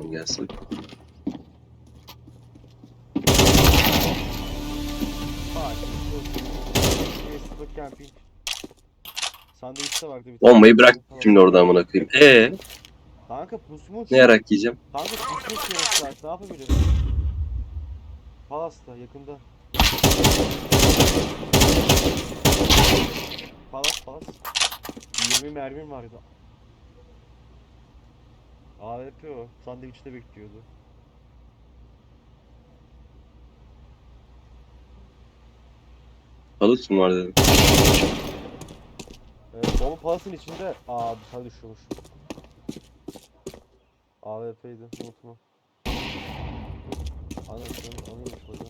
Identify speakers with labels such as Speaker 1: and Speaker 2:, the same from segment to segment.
Speaker 1: Tamam gelsin.
Speaker 2: Facebook camping. Sandviçte vardı bir tane.
Speaker 1: Bombayı bırak şimdi orada amına koyayım.
Speaker 2: Kanka pusmuş.
Speaker 1: Ne yarak yiyeceğim?
Speaker 2: Kanka pusmuş yarım saat. Ne yapabilirim? Palas'ta yakında. Palas. 20 mermim vardı. AWP o. Sandviçte bekliyordu.
Speaker 1: Balık mı var dedim.
Speaker 2: Bomba Palas'ın içinde. Aa dışarı düşüyormuş. AWP'ydi unutma. Anlamış hocam.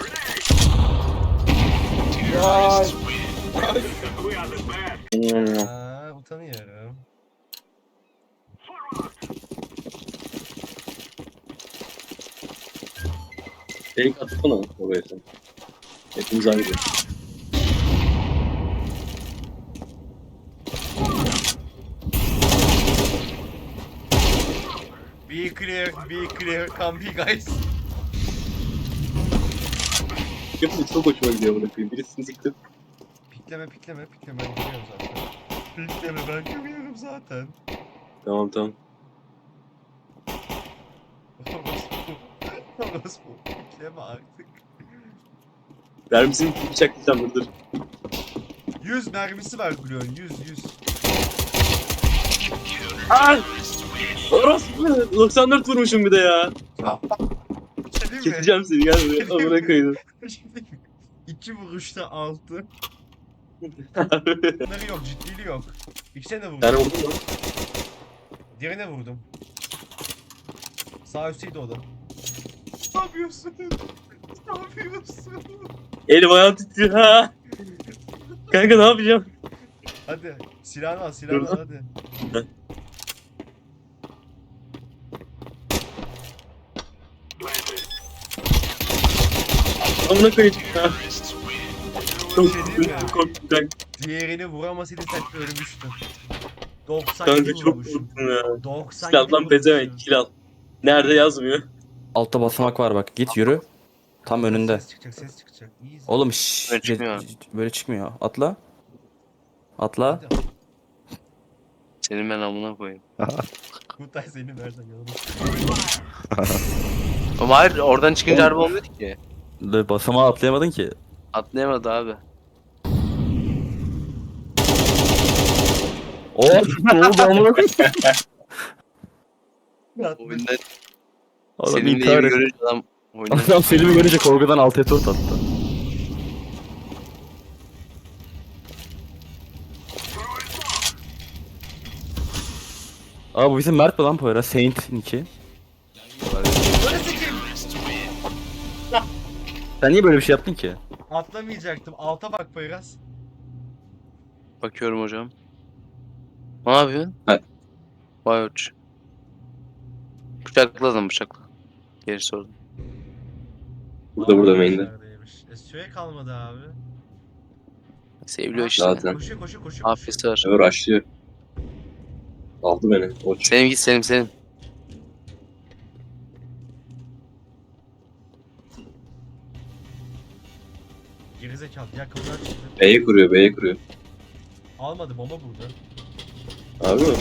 Speaker 2: Utanıyorum.
Speaker 1: Fake atsana oraya sen. Hepimiz aynı.
Speaker 2: Be clear, come be guys.
Speaker 1: Hepimiz çok hoşuma gidiyor amına koyayım. Birisini siktim.
Speaker 2: Pikleme ben görüyorum zaten. Pikleme ben görüyorum zaten.
Speaker 1: Tamam.
Speaker 2: Orospu. Pikleme artık.
Speaker 1: Vermişsin bıçaklayacağım dur.
Speaker 2: 100 mermisi var Gluon 100.
Speaker 1: Aaa! Orospu! 94 vurmuşum bir de ya.
Speaker 2: Değil mi?
Speaker 1: Keseceğim seni gel buraya. Amına koydum.
Speaker 2: 2 vuruşta 6. Bunları yok, ciddiliği yok. İkisine de vurdum.
Speaker 1: Yani oldu mu?
Speaker 2: Diğerine vurdum. Sağ üstteydi o da. Ne yapıyorsun? Ne yapıyorsun?
Speaker 1: Elim ayağım titriyor ha. Kanka ne yapacağım?
Speaker 2: Hadi silahını al hadi.
Speaker 1: Amına koyayım. Çok
Speaker 2: Şey değil mi?
Speaker 1: korktum kanka.
Speaker 2: Diğerini vuramasaydın sen ölmüştün. 97
Speaker 1: Kanka çok
Speaker 2: vurmuşum.
Speaker 1: korktum ya.
Speaker 2: 97
Speaker 1: Silahdan pezevenk kill al. Nerede yazmıyor?
Speaker 3: Altta basamak var bak. Git yürü. Tam önünde.
Speaker 2: Ses çıkacak. Easy.
Speaker 3: Oğlum
Speaker 4: Böyle çıkmıyor.
Speaker 3: böyle çıkmıyor. Atla. Atla.
Speaker 2: Hadi.
Speaker 4: Senin ben amına koyayım.
Speaker 2: Kutay seni versen yanıma.
Speaker 4: Ama hayır oradan çıkınca araba olmuyor ki.
Speaker 3: Basamağa atlayamadın ki.
Speaker 4: Atlayamadı abi.
Speaker 3: Oh! Ne oldu amına koyayım?
Speaker 4: Oyunda
Speaker 3: Adam
Speaker 4: Selim'le iyi
Speaker 3: intihar
Speaker 4: bir
Speaker 3: etti.
Speaker 4: görünce adam oyunda.
Speaker 3: Adam Selim'i görünce korkudan alt F4 attı. Aa bu bizim Mert mi lan Poyraz? Saint 2. Sen niye böyle bir şey yaptın ki?
Speaker 2: Atlamayacaktım. Alta bak Poyraz.
Speaker 4: Bakıyorum hocam. Ne yapıyorsun?
Speaker 1: Ha.
Speaker 4: Vay uç. Bıçakla adam bıçakla. Geri sordum.
Speaker 1: Burada main'de.
Speaker 2: Neredeymiş? Süre kalmadı abi.
Speaker 4: Seviliyor işte.
Speaker 1: Zaten.
Speaker 2: Koşuyor.
Speaker 4: Afiyet var.
Speaker 1: Ömer açlıyor. Aldı beni. Oç.
Speaker 4: Selim git Selim.
Speaker 2: Gerizekalı. Ya kapıdan çıktı.
Speaker 1: B'ye kuruyor.
Speaker 2: Almadı bomba burada.
Speaker 1: Abi mi?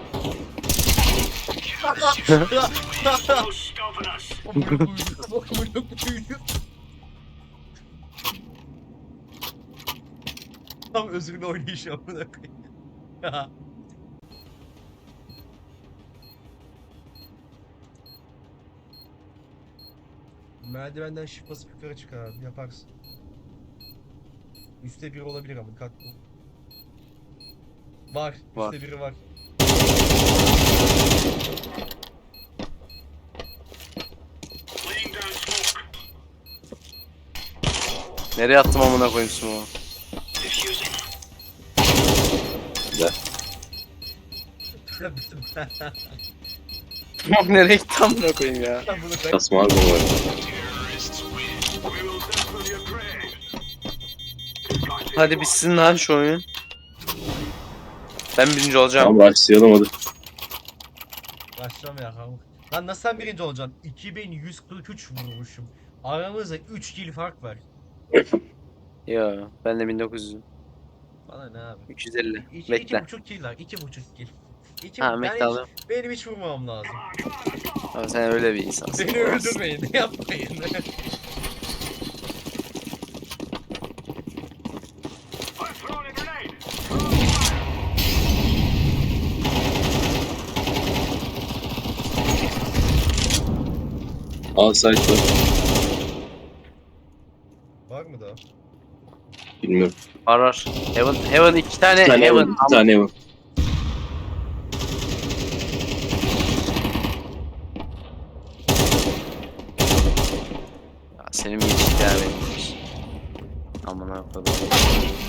Speaker 2: Tam özgürlü oynayışı amına koyayım. Merdivenden shift basıp yukarı çık abi yaparsın. Üste biri olabilir ama dikkatli ol. Var.
Speaker 4: Var.
Speaker 2: Üste biri var.
Speaker 4: Nereye attım amına koyayım smoke'u?
Speaker 1: Güzel.
Speaker 4: Smoke nereye gitti amına koyayım ya?
Speaker 2: Ben bunu ben...
Speaker 1: Kasma abi bu var.
Speaker 4: Hadi bitsin lan şu oyun. Ben birinci olacağım.
Speaker 1: Tamam rushlayalım hadi.
Speaker 2: Başlama ya kanka. Lan nasıl sen birinci olacaksın? 2143 vurmuşum. Aramızda 3 kill fark var.
Speaker 4: Yo ben de 1900'üm.
Speaker 2: Bana ne abi?
Speaker 4: 350.
Speaker 2: İki
Speaker 4: Bekle.
Speaker 2: buçuk kill var. 2,5 kill.
Speaker 4: Ha bekle alayım.
Speaker 2: Benim hiç vurmamam lazım.
Speaker 4: Abi sen öyle bir insansın.
Speaker 2: Beni öldürmeyin. Yapmayın.
Speaker 1: Al site var.
Speaker 2: Var mı daha?
Speaker 1: Bilmiyorum.
Speaker 4: Var var. Heaven 2 tane
Speaker 1: Bir tane
Speaker 4: Heaven.
Speaker 1: var. Bir tane var.
Speaker 4: Ya senin bir ilişki ya benim. Amına koyayım.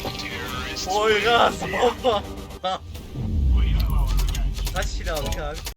Speaker 2: Poyraz bomba. Kaç kill aldık abi?